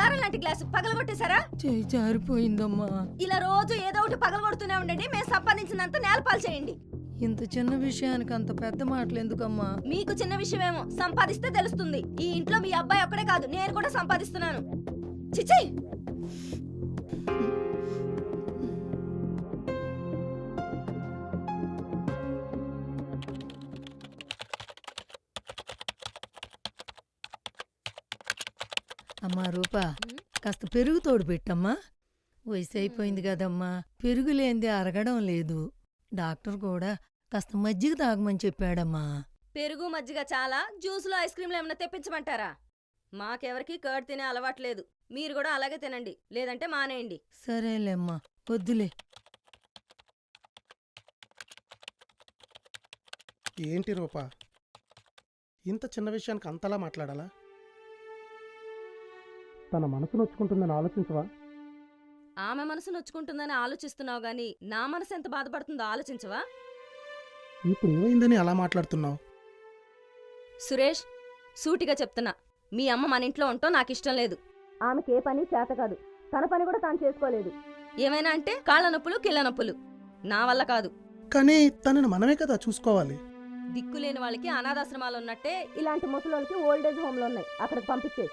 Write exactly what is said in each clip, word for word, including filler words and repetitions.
బంగారం లాంటి గ్లాసు పగలగొట్టేశారా? చేయి జారిపోయిందమ్మా. ఇలా రోజు ఏదో ఒకటి పగలగొడుతూనే ఉండండి. మేము సంపాదించినంత నేలపాలు చేయండి. ఇంత చిన్న విషయానికి అంత పెద్ద మాటలు ఎందుకమ్మా? మీకు చిన్న విషయమేమో, సంపాదిస్తే తెలుస్తుంది. ఈ ఇంట్లో మీ అబ్బాయి ఒక్కడే కాదు, నేను కూడా సంపాదిస్తున్నాను. చిచి, అమ్మా రూపా, కాస్త పెరుగు తోడు పెట్టమ్మా. వయసు అయిపోయింది కదమ్మా, పెరుగు లేనిదే అరగడం లేదు. డాక్టర్ కూడా కాస్త మజ్జిగ తాగమని చెప్పాడమ్మా. పెరుగు మజ్జిగ చాలా, జ్యూసులు ఐస్ క్రీంలు ఏమైనా తెప్పించమంటారా? మాకెవరికి కర్డ్ తినే అలవాట్లేదు. మీరు కూడా అలాగే తినండి, లేదంటే మానేయండి. సరేలేమ్మా, వద్దులే. ఏంటి రూపా, ఇంత చిన్న విషయానికి అంతలా మాట్లాడాలా? తన మనసు నొచ్చుకుంటుందని ఆలోచించవా? ఆమె మనసు నొచ్చుకుంటుందని ఆలోచిస్తున్నావు గాని నా మనసు ఎంత బాధపడుతుందో ఆలోచించవా? ఇప్పుడు ఏమైందని అలా మాట్లాడుతున్నావు? సురేష్, సూటిగా చెప్తున్నా, మీ అమ్మ మన ఇంట్లో ఉంటో నాకు ఇష్టం లేదు. ఆమెకి ఏ పని చేత కాదు, తన పని కూడా తాను చేసుకోలేదు. ఏమైనా అంటే కాళ్ళ నొప్పులు కిళ్ళ నొప్పులు. నా వల్ల కాదు. కానీ తనని మనమే కదా చూసుకోవాలి. దిక్కులేని వాళ్ళకి అనాథాశ్రమాలు ఉన్నట్టే ఇలాంటి ముసలోళ్ళకి ఓల్డేజ్ హోమ్లు ఉన్నాయి, అక్కడికి పంపించే.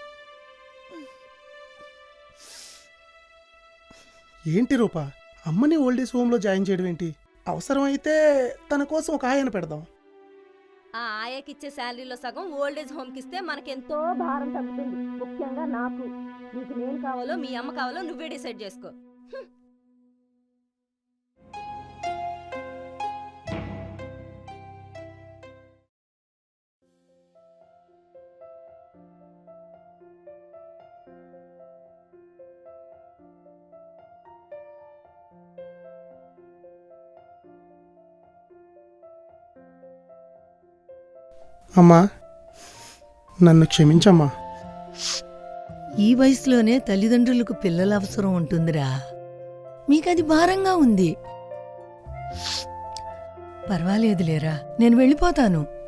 ఏంటి రూపా, అమ్మని ఓల్డేజ్ హోమ్లో జాయిన్ చేయడం ఏంటి? అవసరమైతే తన కోసం ఒక ఆయన పెడదాం. ఆ ఆయాకిచ్చే శాలరీలో సగం ఓల్డేజ్ హోమ్కి ఇస్తే మనకెంతో భారం తగ్గుతుంది. ముఖ్యంగా నాకు. నీకు నేను కావాలో మీ అమ్మ కావాలో నువ్వే డిసైడ్ చేసుకో. అమ్మా, నన్ను క్షమించమ్మా. ఈ వయసులోనే తల్లిదండ్రులకు పిల్లల అవసరం ఉంటుందిరా. మీకది భారంగా ఉంది. పర్వాలేదులేరా, నేను వెళ్ళిపోతాను.